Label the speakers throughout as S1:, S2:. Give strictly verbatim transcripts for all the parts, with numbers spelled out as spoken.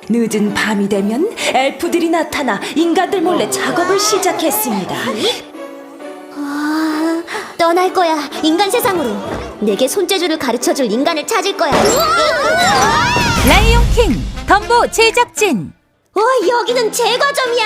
S1: 늦은 밤이 되면 엘프들이 나타나 인간들 몰래 작업을 시작했습니다.
S2: 아, 떠날 거야. 인간 세상으로. 내게 손재주를 가르쳐줄 인간을 찾을 거야.
S3: 라이온 킹 덤보 제작진.
S2: 와, 여기는 제과점이야.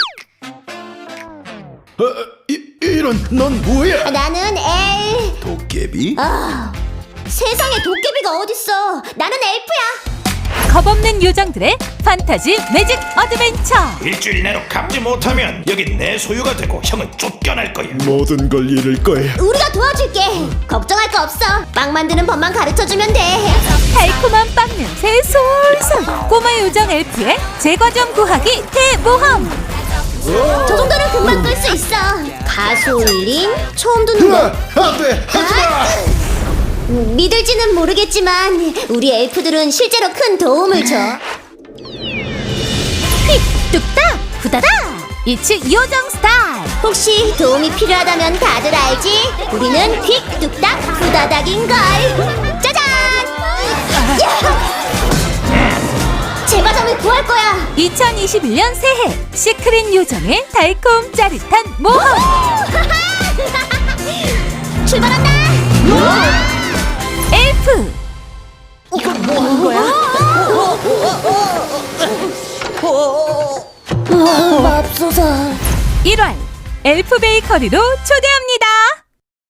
S4: 어, 이, 이런 넌 뭐야?
S2: 나는 엘...
S4: 도깨비?
S2: 아, 세상에 도깨비가 어딨어. 나는 엘프야.
S3: 겁없는 요정들의 판타지 매직 어드벤처.
S5: 일주일 내로 갚지 못하면 여긴 내 소유가 되고 형은 쫓겨날 거야.
S4: 모든 걸 잃을 거야.
S2: 우리가 도와줄게. 걱정할 거 없어. 빵 만드는 법만 가르쳐주면 돼.
S3: 달콤한 빵 냄새 솔솔. 꼬마 요정 엘프의 제과점 구하기 대모험.
S2: 저 정도는 금방 끌 수 있어. 가솔린? 처음 듣는
S4: 으아,
S2: 거.
S4: 안 돼, 하지 마.
S2: 음, 믿을지는 모르겠지만 우리 엘프들은 실제로 큰 도움을 줘.
S3: 휙 뚝딱 후다닥. 이츠 요정 스타일.
S2: 혹시 도움이 필요하다면 다들 알지? 우리는 휙 뚝딱 후다닥인걸. 짜잔! 야! 제과점을 구할 거야.
S3: 이천이십일 년 새해 시크릿 요정의 달콤 짜릿한 모험.
S2: 출발한다.
S3: 엘프.
S1: 이건 뭐 하는 거야?
S2: 맙소사.
S3: 일월 엘프 베이커리로 초대합니다.